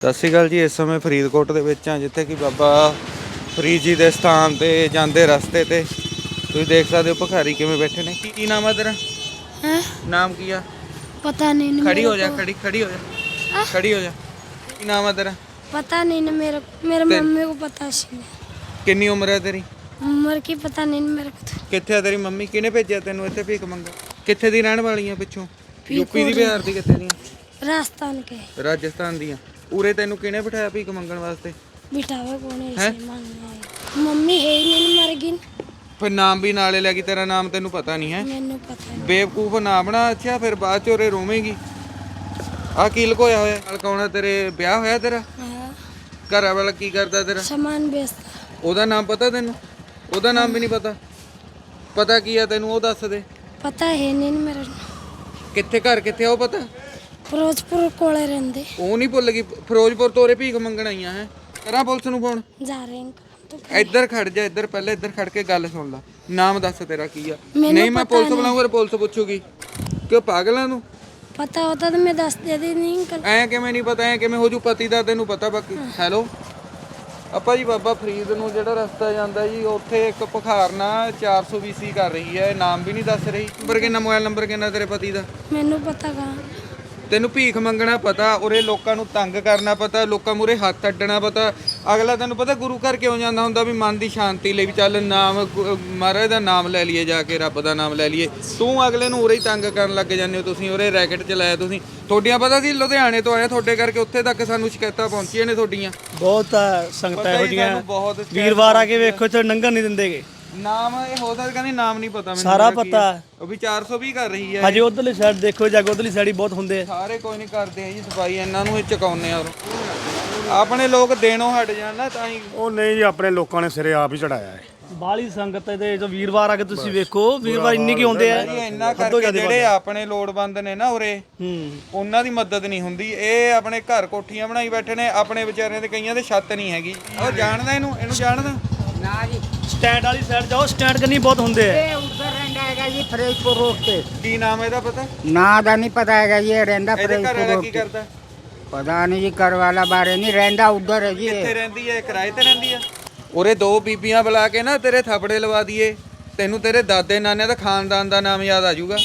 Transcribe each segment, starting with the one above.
ਸਤਿ ਸ਼੍ਰੀ ਅਕਾਲ ਜੀ। ਇਸ ਸਮੇਂ ਫਰੀਦਕੋਟ ਦੇ ਵਿੱਚ ਹਾਂ, ਜਿੱਥੇ ਕਿ ਬਾਬਾ ਫਰੀਦ ਜੀ ਦੇ ਸਥਾਨ ਤੇ ਜਾਂਦੇ ਰਸਤੇ ਤੇ ਤੁਸੀਂ ਦੇਖ ਸਕਦੇ ਹੋ ਭਿਖਾਰੀ ਕਿਵੇਂ ਬੈਠੇ ਨੇ। ਕੀ ਨਾਮ ਹੈ ਤੇਰਾ? हैं? ਨਾਮ ਕੀ ਆ? पता नहीं ना ਖੜੀ मेरे ਹੋ ਜਾ, को। ਖੜੀ ਹੋ ਜਾ, हाँ? ਖੜੀ ਹੋ ਜਾ। ਕੀ ਨਾਮ ਹੈ ਤੇਰਾ? पता नहीं ना मेरे ਤੇ मम्मी को पता सी ਕਿੰਨੀ ਉਮਰ ਹੈ ਤੇਰੀ? उम्र की पता नहीं ना मेरे को तो। ਕਿੱਥੇ ਆ ਤੇਰੀ ਮੰਮੀ? ਕਿਹਨੇ ਭੇਜਿਆ ਤੈਨੂੰ ਇੱਥੇ ਭੀਖ ਮੰਗਾ? ਕਿੱਥੇ ਦੀ ਰਹਿਣ ਵਾਲੀ ਆ? ਪਿੱਛੋਂ ਫਰੀਦਕੋਟ ਯੂਪੀ ਦੀ, ਬਿਹਾਰ ਦੀ, ਕਿੱਥੇ ਦੀਆਂ? राजस्थान के ਰਾਜਸਥਾਨ ਦੀਆਂ। ਉਰੇ ਤੈਨੂੰ ਕਿਹਨੇ ਬਿਠਾਇਆ ਭੀਖ ਮੰਗਣ ਵਾਸਤੇ? बिठावे कौन है हैं? ऐसे मांगने आए। मम्मी है ही नहीं मर गई। ਫਿਰ ਨਾਮ ਵੀ ਨਾਲੇ ਲੈ ਗਈ। ਤੇਰਾ ਨਾਮ ਤੈਨੂੰ ਪਤਾ ਨਹੀਂ ਹੈ? मैंने पता नहीं। ਬੇਵਕੂਫ ਨਾ ਬਣਾ। ਅੱਛਾ, ਫਿਰ ਬਾਅਦ ਚ ਉਰੇ ਰੋਵੇਂਗੀ। ਆ ਕੀ ਲੁਕੋਇਆ ਹੋਇਆ? ਨਾਲ ਕੌਣ ਹੈ ਤੇਰੇ? ਵਿਆਹ ਹੋਇਆ ਤੇਰਾ? हाँ, ਘਰ ਵਾਲਾ ਕੀ ਕਰਦਾ ਤੇਰਾ? सामान बेचता। ਉਹਦਾ ਨਾਮ ਪਤਾ ਤੈਨੂੰ? ਉਹਦਾ ਨਾਮ ਵੀ ਨਹੀਂ ਪਤਾ? ਪਤਾ ਕੀ ਆ ਤੈਨੂੰ? ਉਹ ਦੱਸ ਦੇ। पता है नहीं ना मेरे ਕਿੱਥੇ ਘਰ ਕਿੱਥੇ ਆ ਉਹ ਪਤਾ? फिरोजपुर कोले रहते ਉਹ ਨਹੀਂ ਭੁੱਲ ਗਈ? ਫਿਰੋਜ਼ਪੁਰ ਤੋਂ ਉਰੇ ਭੀਖ ਮੰਗਣ ਆਈਆਂ ਹੈ? ਕਰਾਂ ਪੁਲਿਸ ਨੂੰ ਫੋਨ? जा रहे हैं तो ਇੱਧਰ ਖੜ ਜਾ। ਇੱਧਰ ਪਹਿਲੇ ਇੱਧਰ ਖੜ ਕੇ ਗੱਲ ਸੁਣ ਲੈ। ਨਾਮ ਦੱਸ ਤੇਰਾ ਕੀ ਆ? ਮੈਨੂੰ ਨਹੀਂ ਮੈਂ ਪਤਾ ਪੁਲਿਸ ਨਹੀਂ। ਬੁਲਾਉਂਗਾ, ਪੁਲਿਸ ਪੁੱਛੂਗੀ। ਕਿਉਂ ਪਾਗਲਾਂ ਨੂੰ? पता होता तो मैं दस दे दी नहीं अंकल। ਐ ਕਿਵੇਂ ਨਹੀਂ ਪਤਾ? ਐ ਕਿਵੇਂ ਹੋ ਜੂ? ਪਤੀ ਦਾ ਤੈਨੂੰ ਪਤਾ? ਬਾਕੀ ਹੈਲੋ ਆਪਾਂ ਜੀ ਬਾਬਾ ਫਰੀਦ ਨੂੰ ਜਿਹੜਾ ਰਸਤਾ ਜਾਂਦਾ ਜੀ, ਉੱਥੇ ਇੱਕ ਭਿਖਾਰਨਾ 420 ਕਰ ਰਹੀ ਹੈ। ਨਾਮ ਵੀ ਨਹੀਂ ਦੱਸ ਰਹੀ। ਨੰਬਰ ਕਿੰਨਾ? ਮੋਬਾਈਲ ਨੰਬਰ ਕਿੰਨਾ ਤੇਰੇ ਪਤੀ ਦਾ? मैंने पता कहाँ। ਤੈਨੂੰ ਭੀਖ ਮੰਗਣਾ ਪਤਾ, ਉਰੇ ਲੋਕਾਂ ਨੂੰ ਤੰਗ ਕਰਨਾ ਪਤਾ, ਲੋਕਾਂ ਮੂਰੇ ਹੱਥ ਅੱਡਣਾ ਪਤਾ। ਅਗਲਾ ਤੈਨੂੰ ਪਤਾ ਗੁਰੂ ਘਰ ਕਿਉਂ ਜਾਂਦਾ ਹੁੰਦਾ? ਵੀ ਮਨ ਦੀ ਸ਼ਾਂਤੀ ਲਈ, ਵੀ ਚੱਲ ਨਾਮ ਮਹਾਰਾਜ ਦਾ ਨਾਮ ਲੈ ਲਈਏ, ਜਾ ਕੇ ਰੱਬ ਦਾ ਨਾਮ ਲੈ ਲਈਏ। ਤੂੰ ਅਗਲੇ ਨੂੰ ਉਰੇ ਹੀ ਤੰਗ ਕਰਨ ਲੱਗ ਜਾਂਦੇ ਹੋ। ਤੁਸੀਂ ਉਰੇ ਰੈਕਟ ਚਲਾਇਆ ਤੁਸੀਂ। ਤੁਹਾਡੀਆਂ ਪਤਾ ਸੀ ਲੁਧਿਆਣੇ ਤੋਂ ਆਏ ਤੁਹਾਡੇ ਕਰਕੇ ਉੱਥੇ ਤੱਕ ਸਾਨੂੰ ਸ਼ਿਕਾਇਤਾਂ ਪਹੁੰਚੀਆਂ ਨੇ ਤੁਹਾਡੀਆਂ। ਬਹੁਤ ਸੰਗਤਾਂ ਪਤਾ ਇਹੋ ਹੀ ਜਿਹੀਆਂ ਸਾਨੂੰ ਬਹੁਤ ਸ਼ਿਕਾਇਤ ਵੀਰਵਾਰ ਆ ਕੇ ਵੇਖੋ ਇੱਥੇ ਲੰਘਣ ਨਹੀਂ ਦਿੰਦੇਗੇ। ਨਾਮ ਇਹ ਹੋ ਸਕਦਾ ਕਹਿੰਦੀ ਨਾਮ ਨਹੀਂ ਪਤਾ ਮੈਨੂੰ। ਸਾਰਾ ਮੇਰਾ ਕੀ ਪਤਾ ਹੈ। ਉਹ ਵੀ 420 ਕਰ ਰਹੀ ਹੈ। ਹਜੇ ਉਧਰਲੀ ਸਾਈਡ ਦੇਖੋ, ਜਾ ਕੇ ਉਧਰਲੀ ਸਾਈਡ ਹੀ ਬਹੁਤ ਹੁੰਦੇ ਆ। ਸਾਰੇ ਕੋਈ ਨਹੀਂ ਕਰਦੇ ਆ ਜੀ ਸਫਾਈ। ਇਹਨਾਂ ਨੂੰ ਇਹ ਚਕਾਉਂਦੇ ਆ। ਆਪਣੇ ਲੋਕ ਦੇਣੋਂ ਹਟ ਜਾਣ ਨਾ ਤਾਂ ਹੀ। ਉਹ ਨਹੀਂ ਜੀ, ਆਪਣੇ ਲੋਕਾਂ ਨੇ ਸਿਰੇ ਆਪ ਹੀ ਚੜਾਇਆ ਹੈ। ਬਾਹਲੀ ਸੰਗਤ ਇਹਦੇ ਜੋ ਵੀਰਵਾਰ ਆ ਕੇ ਤੁਸੀਂ ਵੇਖੋ, ਵੀਰਵਾਰ ਇੰਨੀ ਕੀ ਹੁੰਦੇ ਆ। ਜੀ ਇੰਨਾ ਕਰਕੇ ਜਿਹੜੇ ਆਪਣੇ ਲੋੜਵੰਦ ਨੇ ਨਾ ਉਰੇ, ਉਹਨਾਂ ਦੀ ਮਦਦ ਨਹੀਂ ਹੁੰਦੀ। ਇਹ ਆਪਣੇ ਘਰ ਕੋਠੀਆਂ ਬਣਾਈ ਬੈਠੇ ਨੇ। ਆਪਣੇ ਵਿਚਾਰਿਆਂ ਦੇ ਕਈਆਂ ਦੇ ਛੱਤ ਨਹੀਂ ਹੈਗੀ। ਉਹ ਜਾਣਦਾ ਇਹਨੂੰ ਜਾਣਦਾ ਨਾ ਜੀ। ਸਟੈਂਡ ਵਾਲੀ ਸਾਈਡ ਜਾਓ, ਸਟੈਂਡ ਕੰਨੀ ਬਹੁਤ ਹੁੰਦੇ ਆ। ਇਹ ਉੱਧਰ ਰਹਿੰਦਾ ਹੈਗਾ ਜੀ ਫਰੀਦਕੋਟ ਰੋਡ ਤੇ। ਕੀ ਨਾਮ ਇਹਦਾ ਪਤਾ? ਨਾਂ ਦਾ ਨਹੀਂ ਪਤਾ ਹੈਗਾ ਜੀ। ਇਹ ਰਹਿੰਦਾ ਇਹਦੇ ਘਰ ਫਰੀਦਕੋਟ ਵਾਲਾ ਰੋਡ ਕੀ ਤੇ। ਕਰਦਾ? ਪਤਾ ਨਹੀਂ ਜੀ, ਘਰ ਵਾਲਾ ਬਾਰੇ ਨਹੀਂ ਰਹਿੰਦਾ, ਉੱਧਰ ਹੈ ਜੀ ਇਹ। ਕਿੱਥੇ ਰਹਿੰਦੀ ਹੈ? ਕਿਰਾਏ ਤੇ ਰਹਿੰਦੀ ਆ? ਉਰੇ ਦੋ ਬੀਬੀਆਂ ਬੁਲਾ ਕੇ ਨਾ ਤੇਰੇ ਥਾਪੜੇ ਲਵਾ ਦਈਏ, ਤੈਨੂੰ ਤੇਰੇ ਦਾਦੇ ਨਾਨੇ ਦਾ ਖਾਨਦਾਨ ਦਾ ਨਾਮ ਯਾਦ ਆ ਜਾਊਗਾ।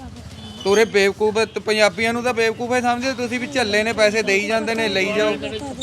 ਤੋਰੇ ਬੇਵਕੂਫ ਪੰਜਾਬੀਆਂ ਨੂੰ ਤਾਂ ਬੇਵਕੂਫ ਹੀ ਸਮਝਦੇ ਤੁਸੀਂ, ਵੀ ਝੱਲੇ ਨੇ, ਪੈਸੇ ਦੇਈ ਜਾਂਦੇ ਨੇ, ਲਈ ਜਾਓ।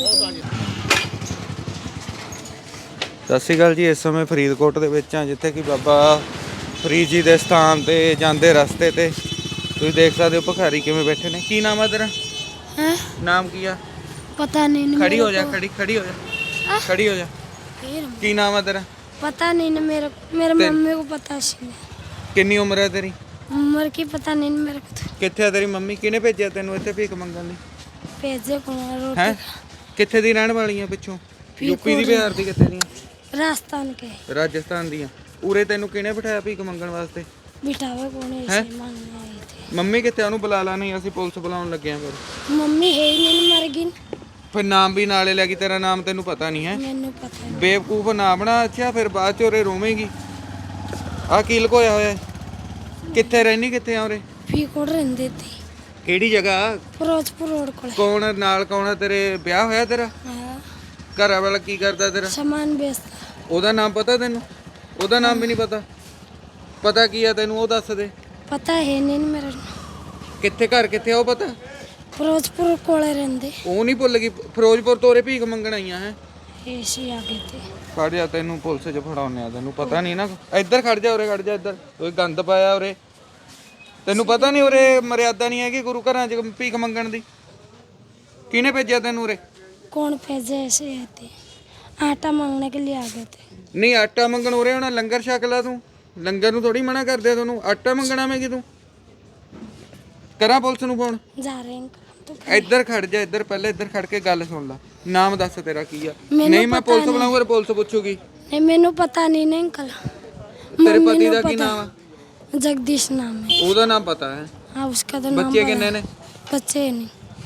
ਸਤਿ ਸ਼੍ਰੀ ਅਕਾਲ ਜੀ। ਇਸ ਸਮੇਂ ਫਰੀਦਕੋਟ ਦੇ ਵਿੱਚ ਹਾਂ, ਜਿੱਥੇ ਕਿ ਬਾਬਾ ਫਰੀਦ ਜੀ ਦੇ ਸਥਾਨ ਤੇ ਜਾਂਦੇ ਰਸਤੇ ਤੇ ਤੁਸੀਂ ਦੇਖ ਸਕਦੇ ਹੋ ਭਿਖਾਰੀ ਕਿਵੇਂ ਬੈਠੇ ਨੇ। ਕੀ ਨਾਮ ਹੈ ਤੇਰਾ? हैं? ਨਾਮ ਕੀ ਆ? पता नहीं ना ਖੜੀ मेरे ਹੋ ਜਾ, को। ਖੜੀ ਹੋ ਜਾ, ਖੜੀ ਹੋ ਜਾ। फिर ਕੀ ਨਾਮ ਹੈ ਤੇਰਾ? पता नहीं ना मेरे मम्मी को पता सी ਕਿੰਨੀ ਉਮਰ ਹੈ ਤੇਰੀ? उम्र की पता नहीं ना मेरे को तो। ਕਿੱਥੇ ਆ ਤੇਰੀ ਮੰਮੀ? ਕਿਹਨੇ ਭੇਜਿਆ ਤੈਨੂੰ ਇੱਥੇ ਭੀਖ ਮੰਗਣ ਲਈ? भेजे कौन रोटी ਹੈ ਕਿੱਥੇ ਦੀ ਰਹਿਣ ਵਾਲੀ ਆ? ਪਿੱਛੋਂ ਯੂਪੀ ਦੀ, ਬਿਹਾਰ ਦੀ, ਕਿੱਥੇ ਦੀਆਂ? राजस्थान के ਰਾਜਸਥਾਨ ਦੀਆਂ। ਉਰੇ ਤੈਨੂੰ ਕਿਹਨੇ ਬਿਠਾਇਆ ਭੀਖ ਮੰਗਣ ਵਾਸਤੇ? बिठावे कौन है हैं? ऐसे मांगने आए थे। ਮੰਮੀ ਕਿੱਥੇ? ਉਹਨੂੰ ਬੁਲਾ ਲਾ। ਨਹੀਂ ਅਸੀਂ ਪੁਲਿਸ ਬੁਲਾਉਣ ਲੱਗੇ ਆਂ। ਫਿਰ मम्मी है ही नहीं मर गई। ਫਿਰ ਨਾਮ ਵੀ ਨਾਲੇ ਲੈ ਗਈ। ਤੇਰਾ ਨਾਮ ਤੈਨੂੰ ਪਤਾ ਨਹੀਂ ਹੈ? मैंने पता नहीं। ਬੇਵਕੂਫ ਨਾ ਬਣਾ। ਅੱਛਾ, ਫਿਰ ਬਾਅਦ ਚ ਉਰੇ ਰੋਵੇਂਗੀ। ਆ ਕੀ ਲੁਕੋਇਆ ਹੋਇਆ? ਕਿੱਥੇ ਰਹਿਣੀ? ਕਿੱਥੇ ਆ ਉਰੇ? फरीदकोट रहते थे। ਕਿਹੜੀ ਜਗ੍ਹਾ? फिरोजपुर रोड को। ਕੌਣ ਨਾਲ? ਕੌਣ ਹੈ ਤੇਰੇ? ਵਿਆਹ ਹੋਇਆ ਤੇਰਾ? हाँ, ਘਰ ਵਾਲਾ ਕੀ ਕਰਦਾ ਤੇਰਾ? सामान बेचता। ਉਹਦਾ ਨਾਮ ਪਤਾ ਤੈਨੂੰ? ਉਹਦਾ ਨਾਮ ਵੀ ਨਹੀਂ ਪਤਾ? ਪਤਾ ਕੀ ਆ ਤੈਨੂੰ? ਉਹ ਦੱਸ ਦੇ। पता है नहीं ना मेरे ਕਿੱਥੇ ਘਰ ਕਿੱਥੇ ਆ ਉਹ ਪਤਾ? फिरोजपुर कोले रहते ਉਹ ਨਹੀਂ ਭੁੱਲ ਗਈ? ਫਿਰੋਜ਼ਪੁਰ ਤੋਂ ਉਰੇ ਭੀਖ ਮੰਗਣ ਆਈਆਂ ਹੈ? ऐसे आगे थे। ਖੜ ਜਾ, ਤੈਨੂੰ ਪੁਲਿਸ 'ਚ ਫੜਾਉਂਦੇ ਆ। ਤੈਨੂੰ ਪਤਾ ਨਹੀਂ ਨਾ। ਇੱਧਰ ਖੜ ਜਾ, ਉਰੇ ਖੜ ਜਾ। ਇੱਧਰ ਕੋਈ ਗੰਦ ਪਾਇਆ ਉਰੇ। ਤੈਨੂੰ ਪਤਾ ਨਹੀਂ ਉਰੇ ਮਰਿਆਦਾ ਨਹੀਂ ਹੈਗੀ ਗੁਰੂ ਘਰਾਂ 'ਚ ਭੀਖ ਮੰਗਣ ਦੀ? ਕਿਹਨੇ ਭੇਜਿਆ ਤੈਨੂੰ ਉਰੇ? कौन भेजे? ऐसे आए थे, आटा मांगने के लिए आ गए थे। ਨਹੀਂ ਆਟਾ ਮੰਗਣ ਉਰੇ ਹੋਣਾ। ਲੰਗਰ ਛਕ ਲਾ ਤੂੰ। ਲੰਗਰ ਨੂੰ ਥੋੜੀ ਮਨਾ ਕਰਦੇ ਆ ਤੁਹਾਨੂੰ। ਆਟਾ ਮੰਗਣਾ ਮੈਂ ਕਿ ਤੂੰ? ਕਰਾਂ ਪੁਲਿਸ ਨੂੰ ਫੋਨ? जा रहे हैं तो। ਇੱਧਰ ਖੜ ਜਾ। ਇੱਧਰ ਪਹਿਲੇ ਇੱਧਰ ਖੜ ਕੇ ਗੱਲ ਸੁਣ ਲੈ। ਨਾਮ ਦੱਸ ਤੇਰਾ ਕੀ ਆ? ਮੈਨੂੰ ਨਹੀਂ ਮੈਂ ਪਤਾ ਪੁਲਿਸ ਨਹੀਂ। ਬੁਲਾਉਂਗਾ, ਪੁਲਿਸ ਪੁੱਛੂਗੀ। नहीं मैंने पता नहीं ना अंकल। ਤੇਰੇ मम्मी ਪਤੀ ने ਦਾ ਕੀ पता। ਨਾਮ ਆ? जगदीश नाम है। ਉਹਦਾ ਨਾਮ ਪਤਾ ਹੈ? हाँ, उसका तो नाम ਬੱਚੇ पता ਕਿੰਨੇ है। ਨੇ? बच्चे नहीं।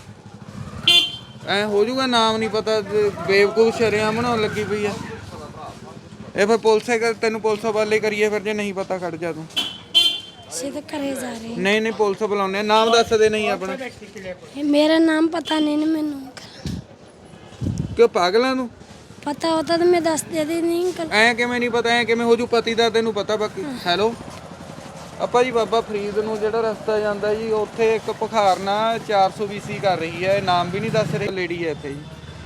ਐ ਹੋ ਜਾਊਗਾ ਨਾਮ ਨਹੀਂ ਪਤਾ ਤੇ ਬੇਵਕੂਫ ਸ਼ਰਿਆਮ ਬਣਾਉਣ ਲੱਗੀ ਪਈ ਆ ਇਹ। ਫਿਰ ਪੁਲਿਸੇ ਤੈਨੂੰ ਪੁਲਿਸ ਵਾਲੇ ਕਰੀਏ ਫਿਰ। ਜੇ ਨਹੀਂ ਪਤਾ ਖੜ ਜਾ ਤੂੰ। सीधे करे जा रहे हैं। ਨਹੀਂ ਨਹੀਂ ਪੁਲਿਸ ਬੁਲਾਉਂਦੇ ਆ। ਨਾਮ ਦੱਸ ਦੇ। ਨਹੀਂ ਆਪਣਾ मेरा नाम पता नहीं ना मैंने अंकल। ਕਿਉਂ ਪਾਗਲਾਂ ਨੂੰ पता होता तो मैं दस देती नहीं कल। ਐ ਕਿਵੇਂ ਨਹੀਂ ਪਤਾ, ਐ ਕਿਵੇਂ ਹੋ ਜੂ ਪਤੀ ਦਾ ਤੈਨੂੰ ਪਤਾ ਬਾਕੀ। ਹੈਲੋ ਆਪਾਂ ਜੀ ਬਾਬਾ ਫਰੀਦ ਨੂੰ ਜਿਹੜਾ ਰਸਤਾ ਜਾਂਦਾ ਜੀ ਉੱਥੇ ਇੱਕ ਭਖਾਰਨਾ 420 ਕਰ ਰਹੀ ਹੈ, ਨਾਮ ਵੀ ਨਹੀਂ ਦੱਸ ਰਹੀ ਲੇਡੀ ਹੈ ਇੱਥੇ ਜੀ।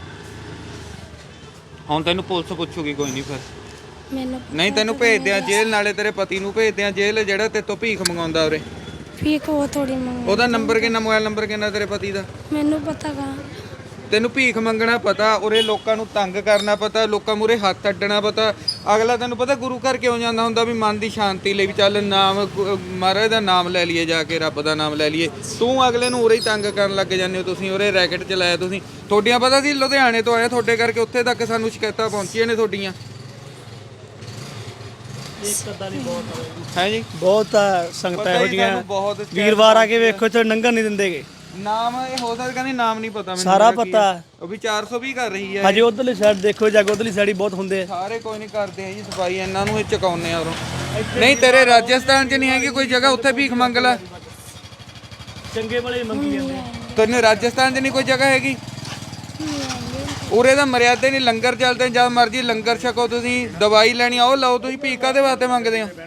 ਹੁਣ ਤੈਨੂੰ ਪੁਲਿਸ ਪੁੱਛੂਗੀ ਕੋਈ ਨਹੀਂ ਫਿਰ। मैंने ਨਹੀਂ ਤੈਨੂੰ ਭੇਜਦੇ ਆ ਜੇਲ੍ਹ, ਨਾਲੇ ਤੇਰੇ ਪਤੀ ਨੂੰ ਭੇਜਦੇ ਆ ਜੇਲ੍ਹ ਜਿਹੜਾ ਤੇਰੇ ਤੋਂ ਭੀਖ ਮੰਗਾਉਂਦਾ ਉਰੇ। फीक वो थोड़ी मंगा। ਉਹਦਾ ਨੰਬਰ ਕਿੰਨਾ, ਮੋਬਾਈਲ ਨੰਬਰ ਕਿੰਨਾ ਤੇਰੇ ਪਤੀ ਦਾ? मैंने पता कहाँ। ਤੈਨੂੰ ਭੀਖ ਮੰਗਣਾ ਪਤਾ, ਉਰੇ ਲੋਕਾਂ ਨੂੰ ਤੰਗ ਕਰਨਾ ਪਤਾ, ਲੋਕਾਂ ਮੂਰੇ ਹੱਥ ਅੱਡਣਾ ਪਤਾ। ਅਗਲਾ ਤੈਨੂੰ ਪਤਾ ਗੁਰੂ ਘਰ ਕਿਉਂ ਜਾਂਦਾ ਹੁੰਦਾ ਵੀ ਮਨ ਦੀ ਸ਼ਾਂਤੀ ਲਈ, ਵੀ ਚੱਲ ਨਾਮ ਮਹਾਰਾਜ ਦਾ ਨਾਮ ਲੈ ਲਈਏ, ਜਾ ਕੇ ਰੱਬ ਦਾ ਨਾਮ ਲੈ ਲਈਏ। ਤੂੰ ਅਗਲੇ ਨੂੰ ਉਰੇ ਹੀ ਤੰਗ ਕਰਨ ਲੱਗ ਜਾਂਦੇ ਹੋ। ਤੁਸੀਂ ਉਰੇ ਰੈਕਟ ਚਲਾਇਆ, ਤੁਸੀਂ ਤੁਹਾਡੀਆਂ ਪਤਾ ਸੀ ਲੁਧਿਆਣੇ ਤੋਂ ਆਇਆ, ਤੁਹਾਡੇ ਕਰਕੇ ਉੱਥੇ ਤੱਕ ਸਾਨੂੰ ਸ਼ਿਕਾਇਤਾਂ ਪਹੁੰਚੀਆਂ ਨੇ ਤੁਹਾਡੀਆਂ। ਹੈ ਜੀ ਬਹੁਤ ਸੰਗਤਾਂ ਪਤਾ ਇਹੋ ਹੀ ਜਿਹੀਆਂ ਸਾਨੂੰ ਬਹੁਤ ਸ਼ਿਕਾਇਤ ਵੀਰਵਾਰ ਆ ਕੇ ਵੇਖੋ ਇੱਥੇ ਨੰਗਣ ਨਹੀਂ ਦਿੰਦੇਗੇ। ਨਾਮ ਇਹ ਹੋ ਸਕਦਾ ਨਹੀਂ, ਨਾਮ ਨਹੀਂ ਪਤਾ ਮੈਨੂੰ। ਸਾਰਾ ਉਹਦਾ ਕੀ ਪਤਾ। ਹੈ। ਉਹ ਵੀ 420 ਕਰ ਰਹੀ ਹੈ। ਹਜੇ ਉਧਰਲੀ ਸਾਈਡ ਦੇਖੋ, ਜਾ ਕੇ ਉਧਰਲੀ ਸਾਈਡ ਹੀ ਬਹੁਤ ਹੁੰਦੇ ਆ। ਸਾਰੇ ਕੋਈ ਨਹੀਂ ਕਰਦੇ ਆ ਜੀ ਸਫਾਈ, ਇਹਨਾਂ ਨੂੰ ਇਹ ਚਕਾਉਂਦੇ ਆ ਉਰੋਂ। ਨਹੀਂ ਤੇਰੇ ਰਾਜਸਥਾਨ 'ਚ ਨਹੀਂ ਹੈਗੀ ਕੋਈ ਜਗ੍ਹਾ ਉੱਥੇ ਭੀਖ ਮੰਗ ਲੈ। ਚੰਗੇ ਵਾਲੇ ਮੰਗੀ ਜਾਂਦੇ। ਤੈਨੂੰ ਰਾਜਸਥਾਨ 'ਚ ਨਹੀਂ ਕੋਈ ਜਗ੍ਹਾ ਹੈਗੀ? ਉਰੇ ਦਾ ਮਰਿਆਦਾ ਨਹੀਂ, ਲੰਗਰ ਚੱਲਦੇ, ਜਦ ਮਰਜੀ ਲੰਗਰ ਛਕੋ। ਤੁਸੀਂ ਦਵਾਈ ਲੈਣੀ ਆ ਉਹ ਲਓ, ਤੁਸੀਂ ਭੀਖ ਕਾਹਦੇ ਵਾਸਤੇ ਮੰਗਦੇ ਹੋ?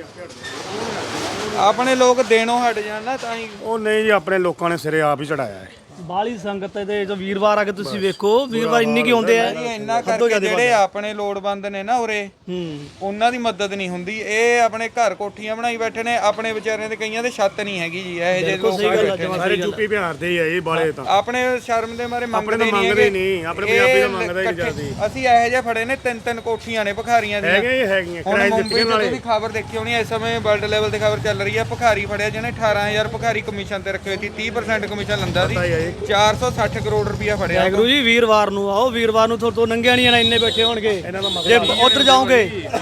ਆਪਣੇ ਲੋਕ ਦੇਣੋਂ ਹਟ ਜਾਣ ਨਾ ਤਾਂ ਹੀ। ਉਹ ਨਹੀਂ ਜੀ, ਆਪਣੇ ਲੋਕਾਂ ਨੇ ਸਿਰੇ ਆਪ ਹੀ ਚੜਾਇਆ ਹੈ। ਬਾਲੀ ਸੰਗਤ ਇਹਦੇ ਜੋ ਵੀਰਵਾਰ ਆ ਕੇ ਤੁਸੀਂ ਵੇਖੋ, ਵੀਰਵਾਰ ਇੰਨੀ ਕੀ ਹੁੰਦੇ ਆ। ਜੀ ਇੰਨਾ ਕਰਕੇ ਜਿਹੜੇ ਆਪਣੇ ਲੋੜਵੰਦ ਨੇ ਨਾ ਉਰੇ, ਉਹਨਾਂ ਦੀ ਮਦਦ ਨਹੀਂ ਹੁੰਦੀ। ਇਹ ਆਪਣੇ ਘਰ ਕੋਠੀਆਂ ਬਣਾਈ ਬੈਠੇ ਨੇ, ਆਪਣੇ ਵਿਚਾਰਿਆਂ ਦੇ ਕਈਆਂ ਦੇ ਛੱਤ ਨਹੀਂ ਹੈਗੀ ਜੀ। ਇਹ ਜਿਹੇ ਲੋਕ ਬੈਠੇ ਨੇ। ਸਾਰੇ ਯੂਪੀ ਬਿਹਾਰ ਦੇ ਹੀ ਆ ਇਹ ਬਾਲੇ ਤਾਂ। ਆਪਣੇ ਸ਼ਰਮ ਦੇ ਮਾਰੇ ਮੰਗਦੇ ਆਪਣੇ ਤਾਂ ਮੰਗਦੇ ਨਹੀਂ, ਆਪਣੇ ਪੰਜਾਬੀ ਤਾਂ ਮੰਗਦਾ ਹੀ ਨਹੀਂ ਜਲਦੀ। ਅਸੀਂ ਇਹੋ ਜਿਹੇ ਫੜੇ ਨੇ, ਤਿੰਨ ਫੜੀਆਂ ਨੇ ਭਿਖਾਰੀਆਂ ਦੀਆਂ। ਹੈਗੀਆਂ ਹੁਣ ਕਿਰਾਏ ਮੁੰਬਈ ਦਿੱਤੀਆਂ 'ਚ ਨਾਲੇ। ਤੁਸੀਂ ਖਬਰ ਦੇਖੀ ਹੋਣੀ, ਇਸ ਸਮੇਂ ਵਰਲਡ ਲੈਵਲ ਤੇ ਖਬਰ ਚੱਲ ਰਹੀ ਹੈ। ਭਿਖਾਰੀ ਫੜਿਆ ਜਿਹਨੇ 18000 ਭਿਖਾਰੀ ਕਮਿਸ਼ਨ ਤੇ ਰੱਖੇ ਹੋਏ ਸੀ, 30% ਕਮਿਸ਼ਨ ਲੈਂਦਾ ਸੀ। 460 ਕਰੋੜ ਰੁਪਇਆ ਫੜਿਆ। ਵਾਹਿਗੁਰੂ ਜੀ ਵੀਰਵਾਰ ਨੂੰ ਆਓ, ਵੀਰਵਾਰ ਨੂੰ ਤੋਂ ਨੰਗਿਆ ਨਹੀਂ ਜਾਣਾ, ਇੰਨੇ ਬੈਠੇ ਹੋਣਗੇ। ਜੇ ਉਧਰ ਜਾਓਗੇ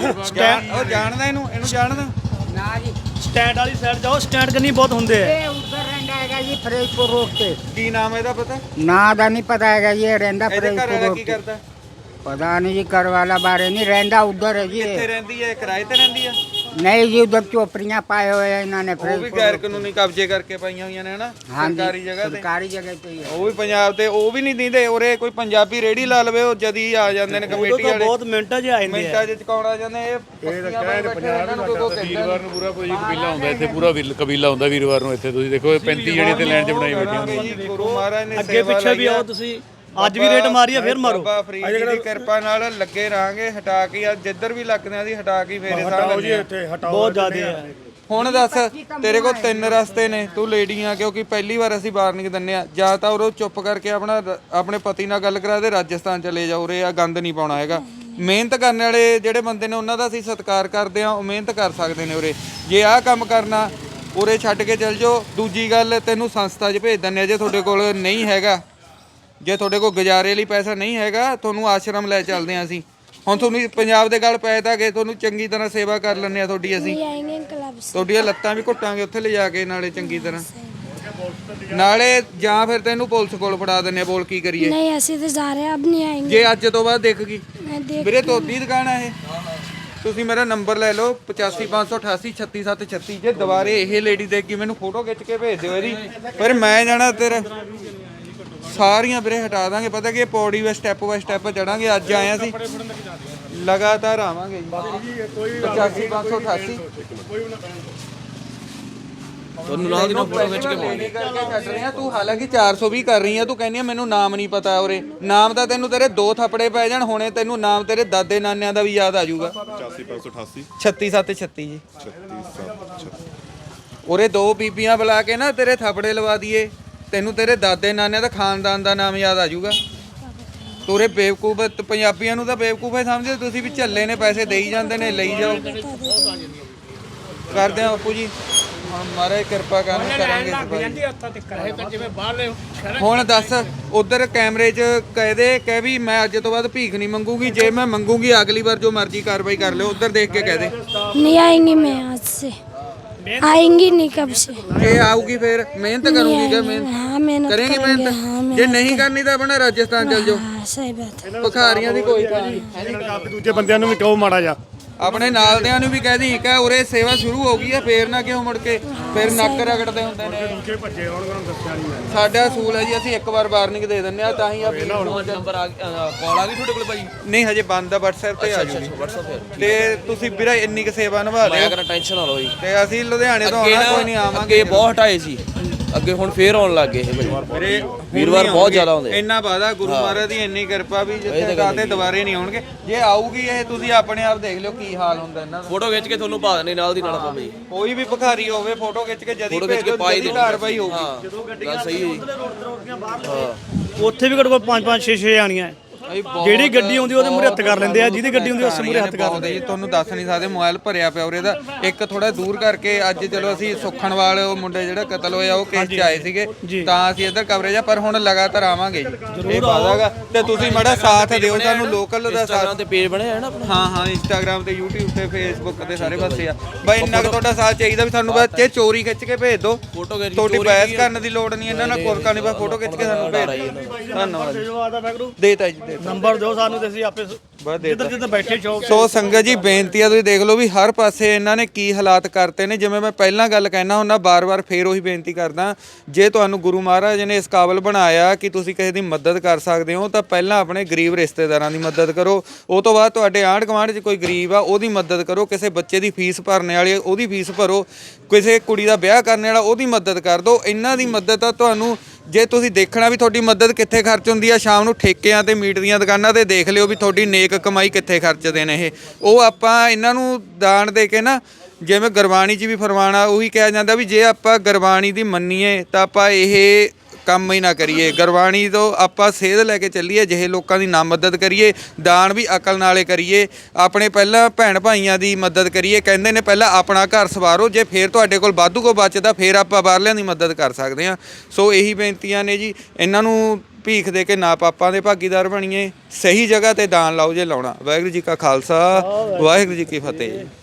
ਉਹ ਜਾਣਦਾ ਇਹਨੂੰ ਜਾਣਦਾ ना जी ਸਟੈਂਡ ਵਾਲੀ ਸਾਈਡ ਜਾਓ, ਸਟੈਂਡ ਕੰਨੀ ਬਹੁਤ ਹੁੰਦੇ ਆ। ये उधर रहता है जी फरीदपुर रोड से। ਕੀ ਨਾਮ ਇਹਦਾ ਪਤਾ? ना दा नहीं पता है जी, ये रहता ਇਹਦੇ ਘਰ फरीदपुर ਵਾਲਾ रोड ਕੀ पे। ਕਰਦਾ? पता नहीं जी कर वाला बारे नहीं रहता उधर है जी। ਕਿੱਥੇ ਰਹਿੰਦੀ ਹੈ? ਕਿਰਾਏ ਤੇ ਰਹਿੰਦੀ ਆ? नहीं जी उधर चोपड़ियाँ पाए हुए हैं इन्होंने ਉਹ ਵੀ ਗੈਰ ਕਾਨੂੰਨੀ ਕਬਜ਼ੇ ਕਰਕੇ ਪਾਈਆਂ ਹੋਈਆਂ ਨੇ ਹਨਾ, हाँ जी ਸਰਕਾਰੀ ਜਗ੍ਹਾ ਤੇ। सरकारी जगह पे ही है। ਉਹ ਵੀ ਪੰਜਾਬ ਤੇ ਉਹ ਵੀ ਨਹੀਂ ਦਿੰਦੇ। ਉਰੇ ਕੋਈ ਪੰਜਾਬੀ ਰੇੜੀ ਲਾ ਲਵੇ, ਉਹ ਜਦੀ ਆ ਜਾਂਦੇ ਨੇ ਕਮੇਟੀ ਉਦੋਂ ਤਾਂ ਵਾਲੇ, ਬਹੁਤ ਮਿੰਟਾਂ 'ਚ ਆ ਜਾਂਦੇ ਆ। ਮਿੰਟਾਂ 'ਚ ਚਕਾਉਣ ਆ ਜਾਂਦੇ। ਇਹ ਪੱਤੀਆਂ ਪਾਈ ਬੈਠੇ ਨੇ, ਇਹਨਾਂ ਨੂੰ ਕੋਈ ਕਹਿੰਦਾ ਵੀਰਵਾਰ ਨੂੰ ਪੂਰਾ ਕੋਈ ਕਬੀਲਾ ਹੁੰਦਾ ਇੱਥੇ, ਪੂਰਾ ਕਬੀਲਾ ਹੁੰਦਾ ਵੀਰਵਾਰ ਨੂੰ ਇੱਥੇ। ਤੁਸੀਂ ਦੇਖੋ 35 ਜਣੇ ਤੇ ਲਾਈਨ 'ਚ ਬਣਾਈ ਬੈਠੇ ਹੁੰਦੇ। ਜੀ ਗੁਰੂ ਮਹਾਰਾਜ ਨੇ ਅੱਗੇ ਪਿੱਛੇ ਵੀ ਆਓ ਤੁਸੀਂ, ਅੱਜ ਵੀ ਰੇਟ ਮਾਰੀ ਆ, ਫਿਰ ਮਾਰੋ। ਬਾਬਾ ਫਰੀਦ ਜੀ ਦੀ ਕਿਰਪਾ ਨਾਲ ਲੱਗੇ ਰਹਾਂਗੇ, ਹਟਾ ਕੇ ਆ ਜਿੱਧਰ ਵੀ ਲੱਗਦੇ ਆ ਦੀ ਹਟਾ ਕੇ ਫੇਰੇ ਸਾਹ ਹਟਾਓ ਜੀ ਲੈਂਦੇ ਆ। ਇੱਥੇ ਹਟਾਓ। ਬਹੁਤ ਜ਼ਿਆਦੇ ਆ। ਹੁਣ ਦੱਸ, ਤੇਰੇ ਕੋਲ 3 ਰਸਤੇ ਨੇ। ਤੂੰ ਲੇਡੀ ਆ, ਕਿਉਂਕਿ ਪਹਿਲੀ ਵਾਰ ਅਸੀਂ ਵਾਰਨਿੰਗ ਦਿੰਨੇ ਆ। ਜਾਂ ਤਾਂ ਉਹ ਚੁੱਪ ਕਰਕੇ ਆਪਣੇ ਪਤੀ ਨਾਲ ਗੱਲ ਕਰਾ ਦੇ, ਰਾਜਸਥਾਨ ਚਲੇ ਜਾ। ਉਰੇ ਆ ਗੰਦ ਨਹੀਂ ਪਾਉਣਾ ਹੈਗਾ। ਮਿਹਨਤ ਕਰਨ ਵਾਲੇ ਜਿਹੜੇ ਬੰਦੇ ਨੇ ਉਹਨਾਂ ਦਾ ਅਸੀਂ ਸਤਿਕਾਰ ਕਰਦੇ ਆ, ਉਹ ਮਿਹਨਤ ਕਰ ਸਕਦੇ ਨੇ ਉਰੇ। ਜੇ ਆਹ ਕੰਮ ਕਰਨਾ, ਉਰੇ ਛੱਡ ਕੇ ਚੱਲ ਜਾਓ। ਦੂਜੀ ਗੱਲ, ਤੈਨੂੰ ਸੰਸਥਾ 'ਚ ਭੇਜ ਦਿੰਦੇ ਆ ਜੇ ਤੁਹਾਡੇ ਕੋਲ ਨਹੀਂ ਹੈਗਾ। ਜੇ ਤੁਹਾਡੇ ਕੋਲ ਗੁਜ਼ਾਰੇ ਲਈ ਪੈਸਾ ਨਹੀਂ ਹੈਗਾ, ਤੁਹਾਨੂੰ ਆਸ਼ਰਮ ਲੈ ਚੱਲਦੇ ਆ ਅਸੀਂ। ਹੁਣ ਤੁਹਾਨੂੰ ਪੰਜਾਬ ਦੇ ਗੱਲ ਪੈ ਤਾਂ ਗਏ, ਤੁਹਾਨੂੰ ਚੰਗੀ ਤਰ੍ਹਾਂ ਸੇਵਾ ਕਰ ਲੈਂਦੇ ਆ ਤੁਹਾਡੀ ਅਸੀਂ। नहीं आएंगे क्लब से। ਤੁਹਾਡੀਆਂ ਲੱਤਾਂ ਵੀ ਘੁੱਟਾਂਗੇ ਉੱਥੇ ਲਿਜਾ ਕੇ, ਨਾਲੇ ਚੰਗੀ ਤਰ੍ਹਾਂ। ਨਾਲੇ ਜਾਂ ਫਿਰ ਤੈਨੂੰ ਪੁਲਿਸ ਕੋਲ ਫੜਾ ਦਿੰਦੇ ਆ। ਬੋਲ ਕੀ ਕਰੀਏ? नहीं ऐसे तो जा रहे हैं, अब नहीं आएंगे। ਜੇ ਅੱਜ ਤੋਂ ਬਾਅਦ ਦੇਖ ਗਈ मैं देख ਵੀਰੇ, ਤੋਦੀ ਦੁਕਾਨ ਆ ਇਹ। ਤੁਸੀਂ ਮੇਰਾ ਨੰਬਰ ਲੈ ਲਓ 855888 36736। ਜੇ ਦੁਬਾਰੇ ਇਹ ਲੇਡੀ ਦੇਖੀ, ਮੈਨੂੰ ਫੋਟੋ ਖਿੱਚ ਕੇ ਭੇਜ ਦਿਓ ਇਹਦੀ। ਫਿਰ ਮੈਂ ਜਾਣਾ ਤੇਰਾ ਸਾਰੀਆਂ ਵੀਰੇ ਹਟਾ ਦਾਂਗੇ। ਪਤਾ ਕਿ ਪੌੜੀ ਵੇ ਸਟੈਪ ਬਾਈ ਸਟੈਪ ਚੜਾਂਗੇ। ਅੱਜ ਆਇਆ ਸੀ, ਲਗਾਤਾਰ ਆਵਾਂਗੇ ਜੀ। 855888 ਤੁਹਾਨੂੰ ਲਾਹ ਦੀ ਫੋਟੋ ਖਿੱਚ ਕੇ ਲੇਡੀ ਕਰਕੇ ਛੱਡ ਰਹੇ ਆ। ਤੂੰ ਹਾਲਾਂਕਿ 420 ਕਰ ਰਹੀ ਆ, ਤੂੰ ਕਹਿੰਦੀ ਆ ਮੈਨੂੰ ਨਾਮ ਨਹੀਂ ਪਤਾ ਉਰੇ। ਨਾਮ ਤਾਂ ਤੈਨੂੰ ਤੇਰੇ 2 ਥੱਪੜੇ ਪੈ ਜਾਣ, ਹੁਣੇ ਤੈਨੂੰ ਨਾਮ ਤੇਰੇ ਦਾਦੇ ਨਾਨਿਆਂ ਦਾ ਵੀ ਯਾਦ ਆ ਜਾਊਗਾ। 85588 36736 ਜੀ। ਉਰੇ 2 ਬੀਬੀਆਂ ਬੁਲਾ ਕੇ ਨਾ ਤੇਰੇ ਥੱਪੜੇ ਲਵਾ ਦਈਏ, ਤੈਨੂੰ ਤੇਰੇ ਦਾਦੇ ਨਾਨਿਆਂ ਦਾ ਖਾਨਦਾਨ ਦਾ ਨਾਮ ਯਾਦ ਆ ਜਾਊਗਾ। ਤੋਰੇ ਬੇਵਕੂਫ ਪੰਜਾਬੀਆਂ ਨੂੰ ਤਾਂ ਬੇਵਕੂਫ ਹੀ ਸਮਝਦੇ ਤੁਸੀਂ, ਵੀ ਝੱਲੇ ਨੇ, ਪੈਸੇ ਦੇਈ ਜਾਂਦੇ ਨੇ, ਲਈ ਜਾਓ। ਕਰਦੇ ਆ ਬਾਪੂ ਜੀ, ਹੁਣ ਮਹਾਰਾਜ ਕਿਰਪਾ ਕਰਾਂਗੇ ਸਭਾਈ। ਹੁਣ ਦੱਸ, ਉਧਰ ਕੈਮਰੇ 'ਚ ਕਹਿ ਵੀ ਮੈਂ ਅੱਜ ਤੋਂ ਬਾਅਦ ਭੀਖ ਨਹੀਂ ਮੰਗੂਗੀ। ਜੇ ਮੈਂ ਮੰਗੂਗੀ ਅਗਲੀ ਵਾਰ ਜੋ ਮਰਜ਼ੀ ਕਾਰਵਾਈ ਕਰ ਲਿਓ। ਉਧਰ ਦੇਖ ਕੇ ਕਹਿ ਦੇ नहीं आएंगी। मैं आज से आएंगी नहीं, कब से। ਜੇ ਆਊਗੀ ਫਿਰ ਮਿਹਨਤ ਕਰੂਗੀ ਕਿ हाँ मेहनत ਕਰੇਂਗੀ करेंगे। हाँ ਮਿਹਨਤ? ਜੇ ਨਹੀਂ ਕਰਨੀ ਤਾਂ ਆਪਣਾ ਰਾਜਸਥਾਨ ਚਲ ਜਾਓ। हाँ सही बात है। ਭਿਖਾਰੀਆਂ ਦੀ ਕੋਈ ਗੱਲ ਨਹੀਂ। ਦੂਜੇ ਬੰਦਿਆਂ ਨੂੰ ਵੀ ਕਹੋ ਮਾੜਾ ਜਾ। ਆਪਣੇ ਨਾਲਦਿਆਂ ਨੂੰ ਵੀ ਕਹਿ ਦੀ ਕਿ ਉਰੇ ਸੇਵਾ ਸ਼ੁਰੂ ਹੋ ਗਈ ਹੈ, ਫੇਰ ਨਾ ਕਿਉਂ ਮੁੜ ਕੇ ਫਿਰ ਨੱਕ ਰਗੜਦੇ ਹੁੰਦੇ ਨੇ। ਦੂਜੇ ਭੱਜੇ ਹੋਣ ਉਹਨਾਂ ਨੂੰ ਦੱਸਿਆ ਨਹੀਂ ਮੈਂ। ਸਾਡਾ ਅਸੂਲ ਹੈ ਜੀ, ਅਸੀਂ ਇੱਕ ਵਾਰ ਵਾਰਨਿੰਗ ਦੇ ਦਿੰਦੇ ਆ ਤਾਂ ਹੀ ਆ ਨੰਬਰ ਆ ਕਾਲ ਆ ਗਈ ਤੁਹਾਡੇ ਕੋਲ ਭਾਈ? ਨਹੀਂ ਹਜੇ ਬੰਦ ਆ, WhatsApp ਤੇ ਆ ਜੂਗੀ ਤੇ ਤੁਸੀਂ ਵੀਰੇ ਇੰਨੀ ਕੁ ਸੇਵਾ ਨਿਭਾ ਮੈਂ ਲਿਓ ਕਹਿੰਦਾ ਟੈਨਸ਼ਨ ਨਾ ਲਓ ਜੀ। ਤੇ ਅਸੀਂ ਲੁਧਿਆਣੇ ਤੋਂ ਆਉਣਾ, ਕੋਈ ਨਹੀਂ ਆਵਾਂਗੇ। ਅੱਗੇ ਬਹੁਤ ਹਟਾਏ ਸੀ, ਅੱਗੇ ਹੁਣ ਫੇਰ ਆਉਣ ਲੱਗ ਗਏ ਇਹ ਭਾਈ। ਵੀਰੇ ਵੀਰਵਾਰ ਬਹੁਤ ਜ਼ਿਆਦਾ ਆਉਂਦੇ। ਇੰਨਾ ਵਾਦਾ ਗੁਰੂ ਮਹਾਰਾਜ ਦੀ ਇੰਨੀ ਕਿਰਪਾ ਵੀ ਜਿੱਥੇ ਕਾਤੇ ਦੁਬਾਰੇ ਨਹੀਂ ਆਉਣਗੇ। ਜੇ ਆਊਗੀ ਇਹ ਤੁਸੀਂ ਆਪਣੇ ਆਪ ਦੇਖ ਲਿਓ ਕੀ ਹਾਲ ਹੁੰਦਾ ਇਹਨਾਂ ਦਾ। ਫੋਟੋ ਖਿੱਚ ਕੇ ਤੁਹਾਨੂੰ ਪਾ ਦੇਣੀ ਨਾਲ ਦੀ ਨਾਲ ਆਪਾਂ ਭਾਈ। ਕੋਈ ਵੀ ਭਿਖਾਰੀ ਹੋਵੇ ਫੋਟੋ ਖਿੱਚ ਕੇ ਜਦੀ ਫੋਟੋ ਖਿੱਚ ਕੇ ਭੇਜੋ, ਪਾਈ ਜਦੀ ਦੇ ਕਾਰਵਾਈ ਹੋਊਗੀ। ਹਾਂ ਗੱਲ ਸਹੀ ਹੈ ਜੀ। ਉੱਥੇ ਵੀ ਘੱਟੋ ਘੱਟ 5-5 6-6 ਆਣੀਆਂ ਜਿਹੜੀ ਗੱਡੀ ਆਉਂਦੀ ਉਹਦੇ ਮੂਹਰੇ ਹੱਥ ਕਰ ਲੈਂਦੇ ਆ, ਜਿਹਦੀ ਗੱਡੀ ਹੁੰਦੀ ਉਸ ਮੂਹਰੇ ਹੱਥ ਕਰ ਲੈਂਦੇ ਜੀ। ਤੁਹਾਨੂੰ ਦੱਸ ਨਹੀਂ ਸਕਦੇ, ਮੋਬਾਈਲ ਭਰਿਆ ਪਿਆ ਉਰੇ ਦਾ। ਇੱਕ ਥੋੜਾ ਦੂਰ ਕਰਕੇ ਅੱਜ ਚਲੋ ਅਸੀਂ ਸੁਖਣਵਾਲ ਉਹ ਮੁੰਡੇ ਜਿਹੜਾ ਕਤਲ ਹੋਇਆ ਉਹ ਕੇਸ 'ਚ ਆਏ ਸੀਗੇ ਤਾਂ ਅਸੀਂ ਇੱਧਰ ਕਵਰੇਜ ਆ, ਪਰ ਹੁਣ ਲਗਾਤਾਰ ਆਵਾਂਗੇ ਜੀ। ਇਹ ਵਾਦਾਗਾ ਤੇ ਤੁਸੀਂ ਮਾੜਾ ਸਾਥ ਦਿਓ ਸਾਨੂੰ, ਲੋਕਲ ਦਾ ਸਾਥ। ਇੰਸਟਾਗ੍ਰਾਮ ਤੇ ਪੇਜ ਬਣਿਆ ਹੈ ਨਾ ਆਪਣਾ? ਹਾਂ ਇੰਸਟਾਗ੍ਰਾਮ ਤੇ YouTube ਤੇ Facebook ਤੇ ਸਾਰੇ ਪਾਸੇ ਆ ਬਾਈ। ਇੰਨਾ ਕੁ ਤੁਹਾਡਾ ਸਾਥ ਚਾਹੀਦਾ ਵੀ ਸਾਨੂੰ ਬਸ ਇਹ ਚੋਰੀ ਖਿੱਚ ਕੇ ਭੇਜ ਦਿਓ, ਫੋਟੋ ਖਿੱਚ ਤੁਹਾਡੀ ਬਹਿਸ ਕਰਨ ਦੀ ਲੋੜ ਨਹੀਂ ਇਹਨਾਂ ਨਾਲ, ਕੋਰਕਾ ਨਹੀਂ, ਬਸ ਫੋਟੋ ਖਿੱਚ ਕੇ ਸਾਨੂੰ ਭੇਜ ਦਿਓ। ਧੰਨਵਾਦ ਜੀ। ਦੇਤਾ ਜੀ ਦੇਤਾ ਨੰਬਰ ਦਿਓ ਸਾਨੂੰ ਤੇ ਅਸੀਂ ਆਪੇ ਬਸ ਜਿੱਧਰ ਜਿੱਧਰ ਬੈਠੇ ਚੌਕ ਸੋ ਸੰਗਤ ਜੀ ਬੇਨਤੀ ਆ, ਤੁਸੀਂ ਦੇਖ ਲਓ ਵੀ ਹਰ ਪਾਸੇ ਇਹਨਾਂ ਨੇ ਕੀ ਹਾਲਾਤ ਕਰਤੇ ਨੇ। ਜਿਵੇਂ ਮੈਂ ਪਹਿਲਾਂ ਗੱਲ ਕਹਿਣਾ ਹੁੰਦਾ, ਬਾਰ-ਬਾਰ ਫੇਰ ਉਹੀ ਬੇਨਤੀ ਕਰਦਾ, ਜੇ ਤੁਹਾਨੂੰ ਗੁਰੂ ਮਹਾਰਾਜ ਨੇ ਇਸ ਕਾਬਲ ਬਣਾਇਆ ਕਿ ਤੁਸੀਂ ਕਿਸੇ ਦੀ ਮਦਦ ਕਰ ਸਕਦੇ ਹੋ ਤਾਂ ਪਹਿਲਾਂ ਆਪਣੇ ਗਰੀਬ ਰਿਸ਼ਤੇਦਾਰਾਂ ਦੀ ਮਦਦ ਕਰੋ, ਉਹ ਤੋਂ ਬਾਅਦ ਤੁਹਾਡੇ ਆਂਢ ਗੁਆਂਢ 'ਚ ਕੋਈ ਗਰੀਬ ਆ ਉਹਦੀ ਮਦਦ ਕਰੋ, ਕਿਸੇ ਬੱਚੇ ਦੀ ਫੀਸ ਭਰਨੇ ਵਾਲੀ ਉਹਦੀ ਫੀਸ ਭਰੋ, ਕਿਸੇ ਕੁੜੀ ਦਾ ਵਿਆਹ ਕਰਨ ਵਾਲਾ ਉਹਦੀ ਮਦਦ ਕਰ ਦਿਓ। ਇਹਨਾਂ ਦੀ ਮਦਦ ਆ ਤੁਹਾਨੂੰ, ਜੇ ਤੁਸੀਂ ਦੇਖਣਾ ਵੀ ਤੁਹਾਡੀ ਮਦਦ ਕਿੱਥੇ ਖਰਚ ਹੁੰਦੀ ਆ, ਸ਼ਾਮ ਨੂੰ ਠੇਕਿਆਂ ਤੇ ਮੀਟ ਦੀਆਂ ਦੁਕਾਨਾਂ ਤੇ ਦੇਖ ਲਿਓ ਵੀ ਤੁਹਾਡੀ ਨੇਕ ਕਮਾਈ ਕਿੱਥੇ ਖਰਚਦੇ ਨੇ ਇਹ। ਉਹ ਆਪਾਂ ਇਹਨਾਂ ਨੂੰ ਦਾਨ ਦੇ ਕੇ ਨਾ, ਜਿਵੇਂ ਗੁਰਬਾਣੀ 'ਚ ਵੀ ਫਰਮਾਨਾ ਉਹੀ ਕਿਹਾ ਜਾਂਦਾ ਵੀ ਜੇ ਆਪਾਂ ਗੁਰਬਾਣੀ ਦੀ ਮੰਨੀਏ ਤਾਂ ਆਪਾਂ ਇਹ ਕੰਮ ਹੀ ਨਾ ਕਰੀਏ, ਗੁਰਬਾਣੀ ਤੋਂ ਆਪਾਂ ਸੇਧ ਲੈ ਕੇ ਚੱਲੀਏ, ਜਿਹੇ ਲੋਕਾਂ ਦੀ ਨਾ ਮਦਦ ਕਰੀਏ, ਦਾਨ ਵੀ ਅਕਲ ਨਾਲੇ ਕਰੀਏ, ਆਪਣੇ ਪਹਿਲਾਂ ਭੈਣ ਭਾਈਆਂ ਦੀ ਮਦਦ ਕਰੀਏ। ਕਹਿੰਦੇ ਨੇ ਪਹਿਲਾਂ ਆਪਣਾ ਘਰ ਸਵਾਰੋ, ਜੇ ਫੇਰ ਤੁਹਾਡੇ ਕੋਲ ਵਾਧੂ ਕੋ ਬਚਦਾ ਫੇਰ ਆਪਾਂ ਬਾਹਰਲਿਆਂ ਦੀ ਮਦਦ ਕਰ ਸਕਦੇ ਹਾਂ। ਸੋ ਇਹੀ ਬੇਨਤੀਆਂ ਨੇ ਜੀ, ਇਹਨਾਂ ਨੂੰ ਭੀਖ ਦੇ ਕੇ ਨਾ ਪਾਪਾਂ ਦੇ ਭਾਗੀਦਾਰ ਬਣੀਏ, ਸਹੀ ਜਗ੍ਹਾ ਤੇ ਦਾਨ ਲਾਓ ਜੇ ਲਾਉਣਾ। ਵਾਹਿਗੁਰੂ ਜੀ ਕਾ ਖਾਲਸਾ, ਵਾਹਿਗੁਰੂ ਜੀ ਕੀ ਫਤਿਹ।